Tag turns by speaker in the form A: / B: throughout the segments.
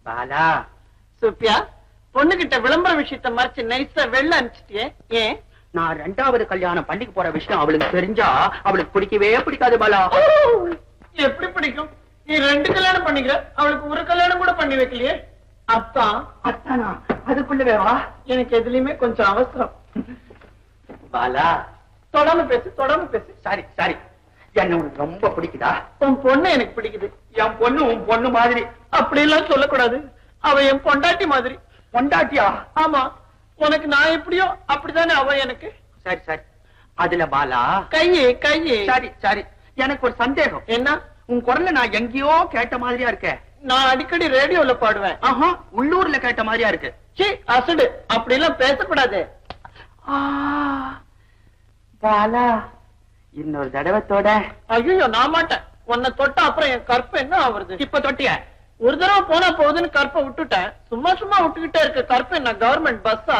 A: Bala,
B: Sophia, பொண்ணுகிட்ட விளம்பர விஷயத்த மறைச்சு நைஸா வெள்ள அனுப்பிச்சிட்டியே, ஏன்?
A: நான் 2வது கல்யாணம் பண்ணிக்க போற விஷயம் அவளுக்கு தெரிஞ்சா அவளுக்கு பிடிக்கவே பிடிக்காது பாலா.
B: எப்படி பிடிக்கும்? நீ 2 கல்யாணம் பண்ணிக்கிற, அவளுக்கு ஒரு கல்யாணம் கூட பண்ணி வைக்கலையே. அப்பா
A: அத்தானா, அதுக்குள்ளவே வா.
B: எனக்கு எதுலயுமே கொஞ்சம் அவசரம்.
A: பாலா,
B: தொடாம பேசு, தொடாம பேசு.
A: சாரி சாரி, என்ன உனக்கு ரொம்ப பிடிக்குதா?
B: உன் பொண்ணு எனக்கு பிடிக்குது.
A: என் பொண்ணு உன் பொண்ணு மாதிரி.
B: அப்படி எல்லாம் சொல்லக்கூடாது. அவ என் பொண்டாட்டி மாதிரி.
A: பொண்டாட்டியா?
B: ஆமா, உனக்கு நான் எப்படியோ அப்படித்தானே அவ எனக்கு.
A: சரி சரி. அதுல பாலா,
B: கையே கையே.
A: சரி சரி, எனக்கு ஒரு சந்தேகம்.
B: என்ன?
A: உன் குரல்ல நான் எங்கேயோ கேட்ட மாதிரியா இருக்க.
B: நான் அடிக்கடி ரேடியோல பாடுவேன்.
A: ஆஹா, உள்ளூர்ல கேட்ட மாதிரியா இருக்கு.
B: சீ, அசடு, அப்படி எல்லாம் பேசக்கூடாது.
A: பாலா, இன்னொரு தடவத்தோட.
B: ஐயோ, நான் மாட்டேன். உன்னை தொட்டா அப்புறம் என் கற்பை என்ன ஆவறது?
A: இப்ப தொட்டிய
B: ஒரு தடவை போனா போகுதுன்னு கற்பை விட்டுட்டேன். சும்மா சும்மா விட்டுக்கிட்டே இருக்க கற்பை என்ன கவர்மெண்ட் பஸ்ஸா?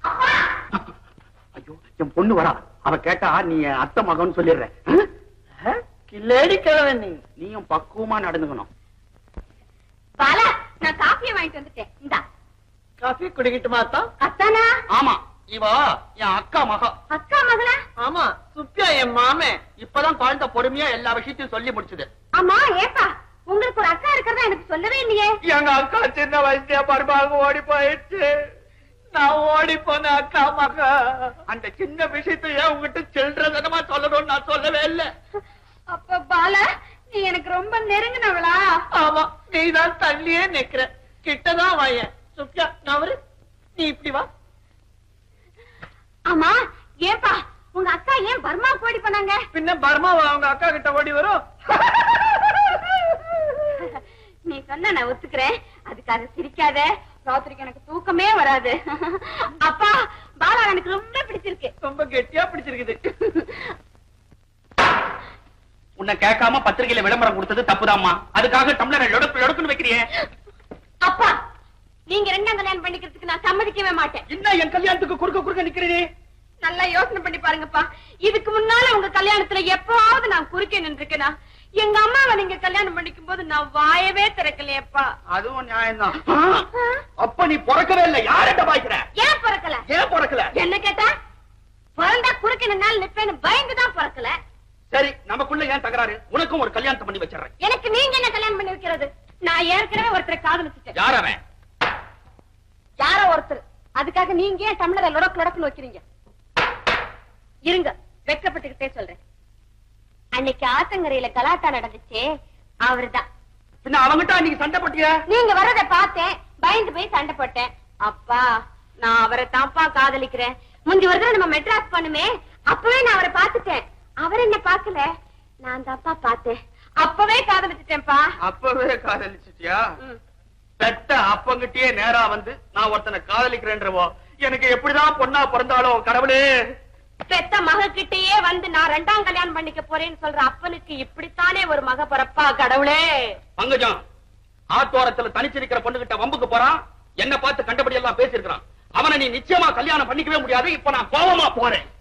A: ஐயோ, என் பொண்ணு வரா. அவ கேட்டா நீ அத்தை மகன் சொல்லிடுறேன்.
B: கில்லேடி கிழவன் நீ.
A: நீயும் பக்குவமா நடந்துக்கணும்.
C: பாலா, நான் காஃபியை வாங்கிட்டு வந்துட்டேன். இந்தா.
B: காஃபி குடிக்கிட்டுமா தான்?
C: அத்தானா?
A: ஆமா, இவ என் அக்கா மகா.
C: அக்கா மகளா?
B: ஆமா, சுப்பியா என் மாமே.
A: இப்பதான் குழந்தை பொறுமையா எல்லா விஷயத்தையும் சொல்லி முடிச்சது.
C: ஆமா, ஏப்பா உங்களுக்கு ஒரு அக்கா இருக்கிறதா எனக்கு சொல்லவே இல்லையே.
A: எங்க அக்கா சின்ன வயசுல பருமாக ஓடி போயிடுச்சு.
B: நான் ஓடி போன அக்கா மகா.
A: அந்த சின்ன விஷயத்த ஏன் உங்ககிட்ட சில்றதனமா சொல்லணும்னு நான் சொல்லவே இல்லை.
C: அப்ப பாலா, நீ எனக்கு ரொம்ப நெருங்கினவளா?
B: ஆமா, நீதான் தள்ளியே நிக்கிற. கிட்டதான் வாயேன். சுப்பியா, நவரு, நீ இப்படி வா.
C: ஆமா, ஏப்பா உங்க அக்கா ஏன் பர்மா ஓடி போனாங்க?
B: பின்ன பர்மாவா அவங்க அக்கா கிட்ட ஓடி வரும்?
C: நீ சொன்ன நான் ஒத்துக்கிறேன். அதுக்காக சிரிக்காத. ராத்திரிக்கு எனக்கு தூக்கமே வராது. அப்பா, பாலா எனக்கு ரொம்ப பிடிச்சிருக்கு.
B: ரொம்ப கெட்டியா பிடிச்சிருக்குது.
A: உன்னை கேட்காம பத்திரிகையில விளம்பரம் கொடுத்தது தப்புதாம்மா. அதுக்காக டம்ளரை லொடுக்குன்னு வைக்கிறியே.
C: அப்பா, நீங்க 2ஆம் கல்யாணம் பண்ணிக்கிறதுக்கு நான் சம்மதிக்கவே மாட்டேன்.
A: என்ன என் கல்யாணத்துக்கு குறுக்க நிக்கிறீ?
C: நல்லா யோசனை பண்ணி பாருங்கப்பா. இதுக்கு முன்னால உங்க கல்யாணத்துல எப்பவாவது நான் குறுக்கே நின்றுக்கேனா? எங்க அம்மாவை நீங்க கல்யாணம் பண்ணிக்கும் போது நான் வாயவே திறக்கலையப்பா.
A: அதுவும் நியாயம்தான். அப்ப நீ பிறக்கவே இல்லை. யார்கிட்ட பாய்க்கிற?
C: ஏன் பிறக்கல?
A: ஏன் பிறக்கல?
C: என்ன கேட்டா, பிறந்தா குறுக்கே நின்னால நிப்பேன்னு பயந்துதான் பிறக்கல.
A: சரி, நமக்குள்ள ஏன் தகராறு? உனக்கும் ஒரு கல்யாணத்தை பண்ணி வச்சிடறேன்.
C: எனக்கு நீங்க என்ன கல்யாணம் பண்ணி வைக்கிறது? நான் ஏற்கனவே ஒருத்தரை காதலிச்சுட்டேன்.
A: யார் அவன்?
C: யாரோ ஒருத்தர். அதுக்காக நீங்க ஏன் தமிழரை லொடக்குன்னு வைக்கிறீங்க? இருங்க, வெட்கப்பட்டுக்கிட்டே சொல்றேன். அன்னைக்கு ஆத்தங்கரையில கலாட்டா நடந்துச்சே, அவர்தான்.
A: பின்ன அவங்கிட்ட அன்னைக்கு சண்டை போட்டிய?
C: நீங்க வர்றதை பார்த்தேன், பயந்து போய் சண்டை போட்டேன். அப்பா, நான் அவரை தான்ப்பா காதலிக்கிறேன். முந்தி ஒரு தடவை நம்ம மெட்ராஸ் பண்ணுமே, அப்பவே நான் அவரை பார்த்துட்டேன். அவர் என்ன பார்க்கல, நான் தான்ப்பா பார்த்தேன். அப்பவே காதலிச்சுட்டேன்ப்பா.
A: அப்பவே காதலிச்சிட்டியா? பெத்த அப்பங்கிட்டே நேரா வந்து நான் ஒருத்தனை காதலிக்கிறேன்றவோ எனக்கு எப்படிதான் பொண்ணா பிறந்தாலும் கடவுளே.
C: பெத்த மகக்கிட்டயே வந்து நான் 2ஆம் கல்யாணம் பண்ணிக்க போறேன்னு சொல்ற அப்பனுக்கு இப்படித்தானே ஒரு மக பிறப்பா கடவுளே.
A: பங்கஜம், ஆத்தோரத்துல தனிச்சிருக்கிற பொண்ணுகிட்ட வம்புக்கு போறான். என்ன பார்த்து கண்டபடி எல்லாம் பேசிருக்கிறான். அவனை நீ நிச்சயமா கல்யாணம் பண்ணிக்கவே முடியாது. இப்ப நான் கோவமா போறேன்.